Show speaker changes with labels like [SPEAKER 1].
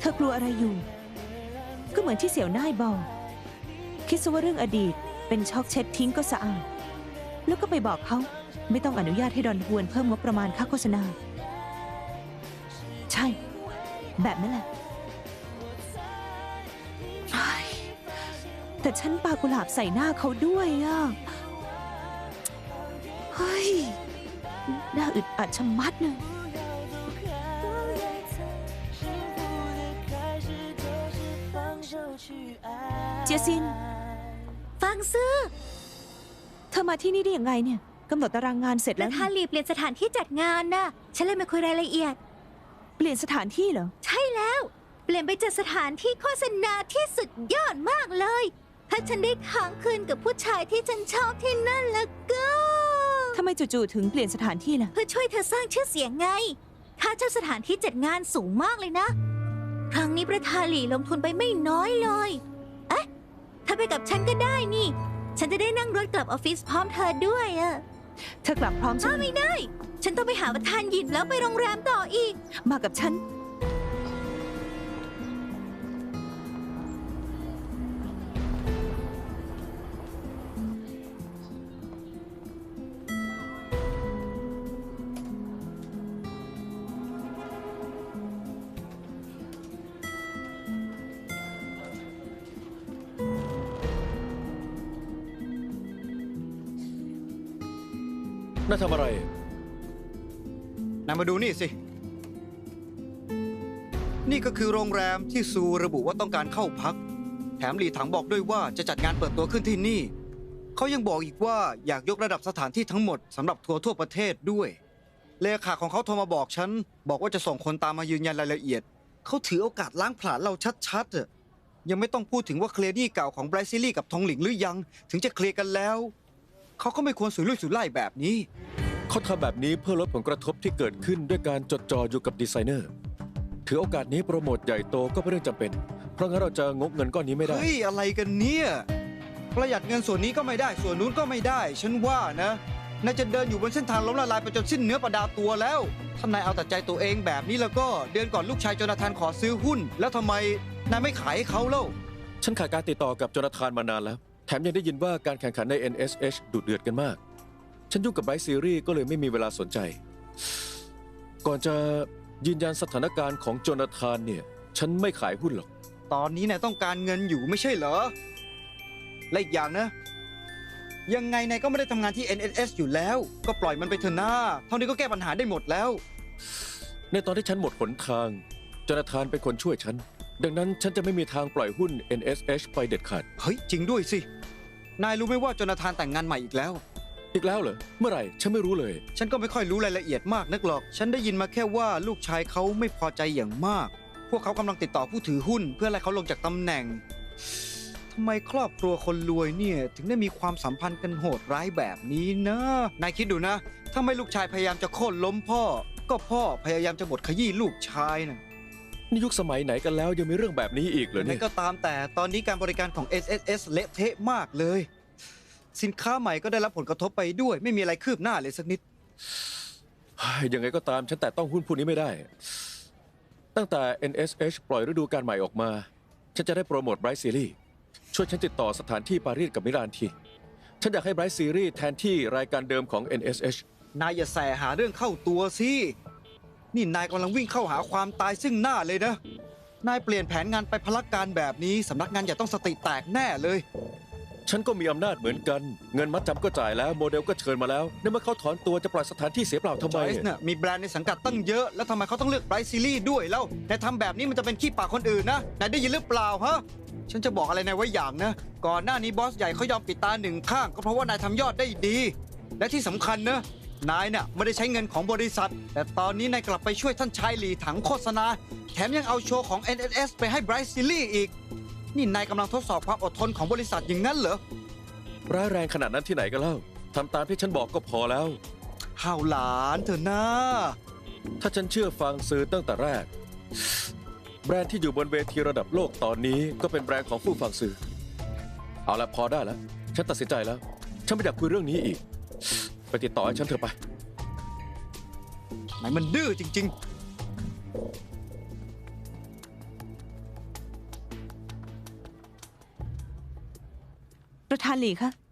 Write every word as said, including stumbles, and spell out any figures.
[SPEAKER 1] ธอกลัวอะไรอยู่ก็เหมือนที่เสี่ยวน่ายบอกคิดซะว่าเรื่องอดีตเป็นช็อกเช็ดทิ้งก็สะอาดแล้วก็ไปบอกเขาไม่ต้องอนุญาตให้ดอนฮวนเพิ่มงบประมาณค่าโฆษณาใช่แบบนั้นแหละแต่ฉันปากุหลาบใส่หน้าเขาด้วยอ่ะเฮ้ยน่าอึดอัดชะมัดเลยเจียซิน
[SPEAKER 2] ฟังซื้อ
[SPEAKER 1] เธอมาที่นี่ได้ยังไงเนี่ยกำหนดตารางงานเสร็จ
[SPEAKER 2] แล้
[SPEAKER 1] แล้ว ว
[SPEAKER 2] ทาลีเปลี่ยนสถานที่จัดงานน่ะฉันเลยมาคุยรายละเอียด
[SPEAKER 1] เปลี่ยนสถานที่เหรอ
[SPEAKER 2] ใช่แล้วเปลี่ยนไปจัดสถานที่โฆษณาที่สุดยอดมากเลยถ้าฉันได้ค้างคืนกับผู้ชายที่ฉันชอบที่นั่นแล้วก็
[SPEAKER 1] ทำไมจู่ๆถึงเปลี่ยนสถานที่ล่ะ
[SPEAKER 2] เพื่อช่วยเธอสร้างชื่อเสียงไงค่าเช่าสถานที่จัดงานสูงมากเลยนะครั้งนี้ประธานหลี่ลงทุนไปไม่น้อยเลยเอ๊ะถ้าไปกับฉันก็ได้นี่ฉันจะได้นั่งรถกลับออฟฟิศพร้อมเธอด้วยอะ
[SPEAKER 1] เธอกลับพร้อมฉัน
[SPEAKER 2] ไม่ได้ฉันต้องไปหาประธานหยินแล้วไปโรงแรมต่ออีก
[SPEAKER 1] มากับฉัน
[SPEAKER 3] น่าทำอะไร
[SPEAKER 4] นายมาดูนี่สินี่ก็คือโรงแรมที่ซูระบุว่าต้องการเข้าพักแถมหลีถังบอกด้วยว่าจะจัดงานเปิดตัวขึ้นที่นี่เขายังบอกอีกว่าอยากยกระดับสถานที่ทั้งหมดสำหรับทัวร์ทั่วประเทศด้วยเลขาของเขาโทรมาบอกฉันบอกว่าจะส่งคนตามมายืนยันรายละเอียดเขาถือโอกาสล้างผลาญเราชัดๆอะยังไม่ต้องพูดถึงว่าเคลียร์หนี้เก่าของไบรซิลี่กับทองหลิงหรือยังถึงจะเคลียร์กันแล้วเขาก็ไม่ควรสุรุ่ยสุร่ายแบบนี้
[SPEAKER 3] เขาทำแบบนี้เพื่อลดผลกระทบที่เกิดขึ้นด้วยการจดจ่ออยู่กับดีไซเนอร์ถือโอกาสนี้โปรโมทใหญ่โตก็เป็นเรื่องจำเป็นเพราะงั้นเราจะงกเงินก้อนนี้ไม่ได้
[SPEAKER 4] เฮ้ยอะไรกันเนี่ยประหยัดเงินส่วนนี้ก็ไม่ได้ส่วนนู้นก็ไม่ได้ฉันว่านะนายจะเดินอยู่บนเส้นทางล้มละลายไปจนสิ้นเนื้อประดาตัวแล้วถ้านายเอาแต่ใจตัวเองแบบนี้แล้วก็เดือนก่อนลูกชายโจนาธานขอซื้อหุ้นแล้วทำไมนายไม่ขายให้เขาเล่า
[SPEAKER 3] ฉันขาดการติดต่อกับโจนาธานมานานแล้วแถมยังได้ยินว่าการแข่งขันใน เอ็น เอส เอช ดุเดือดกันมากฉันยุ่งกับไบรท์ซีรีส์ก็เลยไม่มีเวลาสนใจก่อนจะยืนยันสถานการณ์ของโจนาธานเนี่ยฉันไม่ขายหุ้นหรอก
[SPEAKER 4] ตอนนี้นายต้องการเงินอยู่ไม่ใช่เหรอและอีกอย่างนะยังไงนายก็ไม่ได้ทำงานที่ เอ็น เอส เอช อยู่แล้วก็ปล่อยมันไปเถอะหน้าเท่านี้ก็แก้ปัญหาได้หมดแล้ว
[SPEAKER 3] ในตอนที่ฉันหมดหนทางโจนาธานเป็นคนช่วยฉันดังนั้นฉันจะไม่มีทางปล่อยหุ้น เอ็น เอส เอช ไปเด็ดขาด
[SPEAKER 4] เฮ้ยจริงด้วยสินายรู้ไหมว่าโจนาธานแต่งงานใหม่อีกแล้ว
[SPEAKER 3] อีกแล้วเหรอเมื่อไหร่ฉันไม่รู้เลย
[SPEAKER 4] ฉันก็ไม่ค่อยรู้รายละเอียดมากนักหรอกฉันได้ยินมาแค่ว่าลูกชายเขาไม่พอใจอย่างมากพวกเขากำลังติดต่อผู้ถือหุ้นเพื่อไล่เขาลงจากตำแหน่งทำไมครอบครัวคนรวยเนี่ยถึงได้มีความสัมพันธ์กันโหดร้ายแบบนี้นะนายคิดดูนะถ้าไม่ลูกชายพยายามจะโค่นล้มพ่อก็พ่อพยายามจะบดขยี้ลูกชายนะ
[SPEAKER 3] นี่ยุคสมัยไหนกันแล้วยังมีเรื่องแบบนี้อีกเหรอเนี่ย
[SPEAKER 4] ก็ตามแต่ตอนนี้การบริการของ เอส เอส เอส เละเทะมากเลยสินค้าใหม่ก็ได้รับผลกระทบไปด้วยไม่มีอะไรคืบหน้าเลยสักนิด
[SPEAKER 3] ยังไงก็ตามฉันแต่ต้องหุ้นพวกนี้ไม่ได้ตั้งแต่ เอ็น เอส เอช ปล่อยฤดูกาลใหม่ออกมาฉันจะได้โปรโมทไบรท์ซีรีส์ช่วยฉันติดต่อสถานที่ปารีสกับมิลานทีฉันอยากให้ไบรท์ซีรีส์แทนที่รายการเดิมของ เอ็น เอส เอช
[SPEAKER 4] นายอย่าแสหาเรื่องเข้าตัวสินี่นายกำลังวิ่งเข้าหาความตายซึ่งหน้าเลยนะนายเปลี่ยนแผนงานไปพลักการแบบนี้สำนักงานอย่าต้องสติแตกแน่เลย
[SPEAKER 3] ฉันก็มีอำนาจเหมือนกันเงินมัดจำก็จ่ายแล้วโมเดลก็เชิญมาแล้วในเมื่อเขาถอนตัวจะปล่อยสถานที่เสียเปล่าทำไม
[SPEAKER 4] เนี่ยมีแบรนด์ในสังกัดตั้งเยอะแล้วทำไมเขาต้องเลือกไบรท์ซีรีส์ด้วยแล้วนายทำแบบนี้มันจะเป็นขี้ปากคนอื่นนะนายได้ยินหรือเปล่าฮะฉันจะบอกอะไรนายไว้อย่างนะก่อนหน้านี้บอสใหญ่เขายอมปิดตาหนึ่งข้างก็เพราะว่านายทำยอดได้ดีและที่สำคัญนะนายเนี่ยไม่ได้ใช้เงินของบริษัทแต่ตอนนี้นายกลับไปช่วยท่านชายหลีถังโฆษณาแถมยังเอาโชว์ของ เอ็น เอส เอส ไปให้ไบรท์ซีรีส์อีกนี่นายกำลังทดสอบความอดทนของบริษัทอย่างนั้นเหรอ
[SPEAKER 3] ร้ายแรงขนาดนั้นที่ไหนกันเล่าทำตามที่ฉันบอกก็พอแล้ว
[SPEAKER 4] ห่าวหลานเถอะนะ
[SPEAKER 3] ถ้าฉันเชื่อฟังซื้อตั้งแต่แรกแบรนด์ที่อยู่บนเวทีระดับโลกตอนนี้ก็เป็นแบรนด์ของผู้ฟังซื้อเอาละพอได้แล้วฉันตัดสินใจแล้วฉันไม่อยากคุยเรื่องนี้อีกไปติดต่อให้ฉันเถอะไป
[SPEAKER 4] ไหนมันดื้อจริงๆ
[SPEAKER 1] ประธานหลีคะ